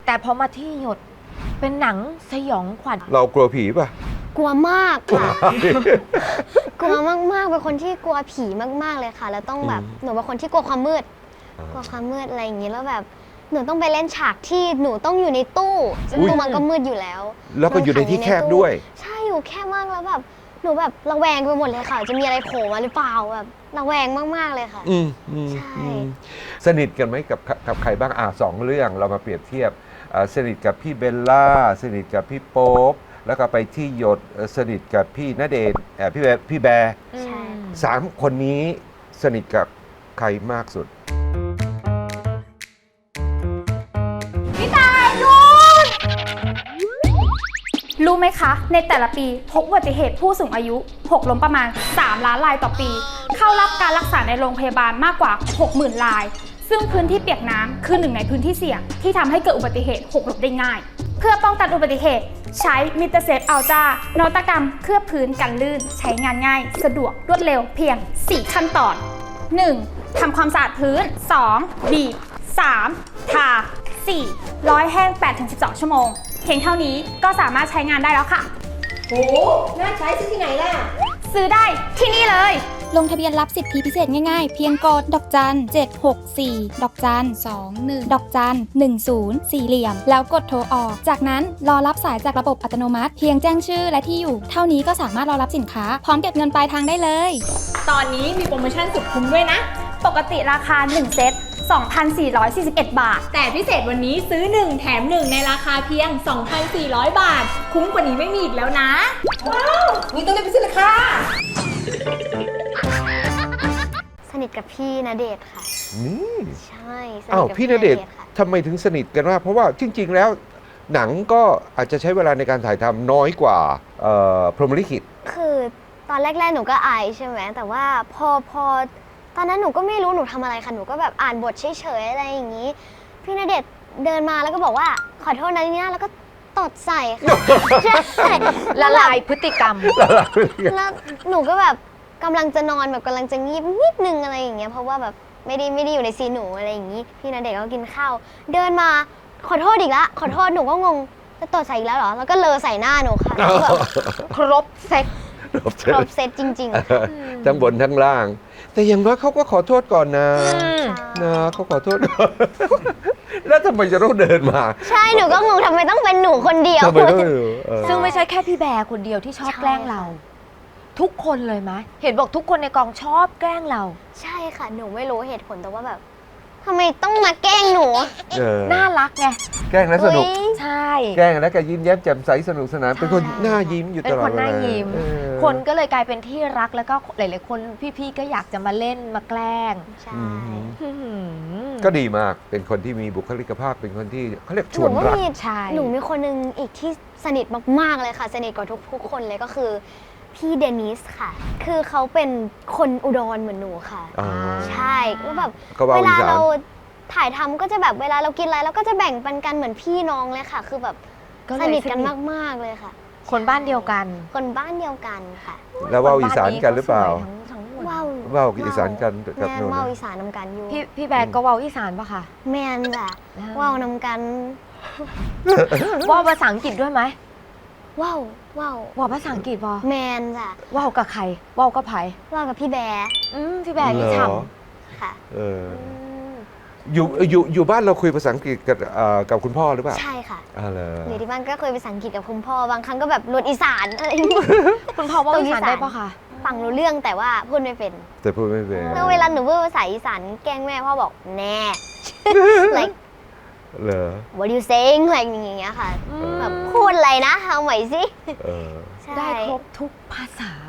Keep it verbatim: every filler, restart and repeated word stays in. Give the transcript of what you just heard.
แต่พอมาที่หยดเป็นหนังสยองขวัญเรากลัวผีป่ะกลัวมากค่ะ กลัวมากๆเป็นคนที่กลัวผีมากๆเลยค่ะแล้วต้องแบบหนูเป็นคนที่กลัวความมืดกลัวความมืดอะไรอย่างนี้แล้วแบบหนูต้องไปเล่นฉากที่หนูต้องอยู่ในตู้ซึ่งตู้มันก็มืดอยู่แล้วแล้วก็อยู่ในที่แคบด้วยใช่อยู่แคบมากแล้วแบบหนูแบบระแวงไปหมดเลยค่ะจะมีอะไรโผล่มาหรือเปล่าแบบระแวงมากๆเลยค่ะอืมใช่สนิทกันไหมกับกับใครบ้างอ่ะสองเรื่องเรามาเปรียบเทียบสนิทกับพี่เบลล่าสนิทกับพี่โป๊ปแล้วก็ไปที่หยดสนิทกับพี่ณเดชน์พี่แบร์พี่แบร์สามคนนี้สนิทกับใครมากสุดพี่ตายดูรู้ไหมคะในแต่ละปีพบอุบัติเหตุผู้สูงอายุหกล้มประมาณสามล้านรายต่อปีเข้ารับการรักษาในโรงพยาบาลมากกว่า หกหมื่น รายซึ่งพื้นที่เปียกน้ำคือหนึ่งในพื้นที่เสี่ยงที่ทำให้เกิดอุบัติเหตุหกล้มได้ง่ายเพื่อป้องกันอุบัติเหตุใช้มิเตอร์เซฟอัลตร้านวัตกรรมเคลือบพื้นกันลื่นใช้งานง่ายสะดวกรวดเร็วเพียงสี่ขั้นตอน หนึ่ง. ทำความสะอาดพื้น สอง. บีบ สาม. ทา สี่. ร้อยแห้ง แปดถึงสิบสอง ชั่วโมงเพียงเท่านี้ก็สามารถใช้งานได้แล้วค่ะโหน่าใช้ซื้อที่ไหนล่ะซื้อได้ที่นี่เลยลงทะเบียนรับสิทธิพิเศษง่ายๆเพียงกดดอกจันเจ็ดหกสี่ดอกจันสองหนึ่งดอกจันหนึ่งศูนย์สี่เหลี่ยมแล้วกดโทรออกจากนั้นรอรับสายจากระบบอัตโนมัติเพียงแจ้งชื่อและที่อยู่เท่านี้ก็สามารถรอรับสินค้าพร้อมเก็บเงินปลายทางได้เลยตอนนี้มีโปรโมชั่นสุดคุ้มด้วยนะปกติราคาหนึ่งเซต สองพันสี่ร้อยสี่สิบเอ็ด บาทแต่พิเศษวันนี้ซื้อหนึ่งแถมหนึ่งในราคาเพียง สองพันสี่ร้อย บาทคุ้มกว่านี้ไม่มีอีกแล้วนะว้าวนี่ต้องรีบไปซื้อเลยค่ะสนิทกับพี่ณเดชน์ค่ะนี่ใช่อ้าวพี่ณเดชน์ทำไมถึงสนิทกันมากเพราะว่าจริงๆแล้วหนังก็อาจจะใช้เวลาในการถ่ายทำน้อยกว่าพรหมลิขิตคือตอนแรกๆหนูก็อายใช่ไหมแต่ว่าพอพอตอนนั้นหนูก็ไม่รู้หนูทำอะไรค่ะหนูก็แบบอ่านบทเฉยๆอะไรอย่างนี้พี่ณเดชน์เดินมาแล้วก็บอกว่าขอโทษนะเนี่ยแล้วก็ตดใส่ค่ะใช่ละลายพฤติกรรมแล้วหนูก็แบบกำลังจะนอนแบบกำลังจะงีบนิดนึงอะไรอย่างเงี้ยเพราะว่าแบบไม่ได้ไม่ได้อยู่ในซีนหนูอะไรอย่างงี้พี่ณเดชน์ก็กินข้าวเดินมาขอโทษอีกละขอโทษหนูก็งงจะตดใส่อีกแล้วเหรอแล้วก็เลอใส่หน้าหนูค่ะครบเซ็ตครบเซ็ตจริงๆทั้งบนทั้งล่างแต่อย่างน้อยเขาก็ขอโทษก่อนนะนะเขาขอโทษก่อนแล้วทำไมจะต้องเดินมาใช่หนูก็งงทำไมต้องเป็นหนูคนเดียวซึ่งไม่ใช่แค่พี่แบร์คนเดียวที่ชอบแกล้งเราทุกคนเลยไหมเห็นบอกทุกคนในกองชอบแกล้งเราใช่ค่ะหนูไม่รู้เหตุผลแต่ว่าแบบทำไมต้องมาแกล้งหนูน่ารักไงแกล้งแล้วสนุกใช่แกล้งแล้วก็ยิ้มแย้มแจ่มใสสนุกสนานเป็นคนหน้ายิ้มอยู่ตลอดเป็นคนหน้ายิ้มคนก็เลยกลายเป็นที่รักแล้วก็หลายๆคนพี่ๆก็อยากจะมาเล่นมาแกล้งใช่ก็ดีมากเป็นคนที่มีบุคลิกภาพเป็นคนที่เขาเรียกชวนรักหนูมีคนนึงอีกที่สนิทมากๆเลยค่ะสนิทกว่าทุกๆคนเลยก็คือพี่เดนิสค่ะคือเขาเป็นคนอุดรเหมือนหนูค่ะใช่ก็แบบเวลาเราถ่ายทำก็จะแบบเวลาเรากินอะไรเราก็จะแบ่งปันกันเหมือนพี่น้องเลยค่ะคือแบบสนิทกันมากๆเลยค่ะคนบ้านเดียวกันคนบ้านเดียวกันค่ะแล้วว่าวอีสานกันหรือเปล่าว่าวว่าวอีสานกันกับหนูว่าวอีสานนำกันอยู่พี่พี่แบกก็ว่าวอีสานปะคะแมนจ้ะว่าวนำกันว่าวภาษาอังกฤษด้วยไหมว้าวว้าวว้าวภาษาอังกฤษปะแมนจ้ะว้าวกับใครว้าวกับไผ่ว้าวกับพี่แบร์อืมพี่แบร์ที่ทำค่ะเอออยู่อยู่อยู่บ้านเราคุยภาษาอังกฤษกับกับคุณพ่อหรือเปล่าใช่ค่ะอ๋อเหรออยู่ที่บ้านก็คุยภาษาอังกฤษกับคุณพ่อบางครั้งก็แบบรวดอีสานอะไรคุณพ่อว่าอีสานได้ปะคะฟังรู้เรื่องแต่ว่าพูดไม่เป็นแต่พูดไม่เป็นแล้วเวลาหนูพูดภาษาอีสานแกล้งแม่พ่อบอกแน่ like เหรอ what you saying อะไรอย่างเงี้ยค่ะแบบพูดอะไรนะเอาใหม่สิได้ครบทุกภาษา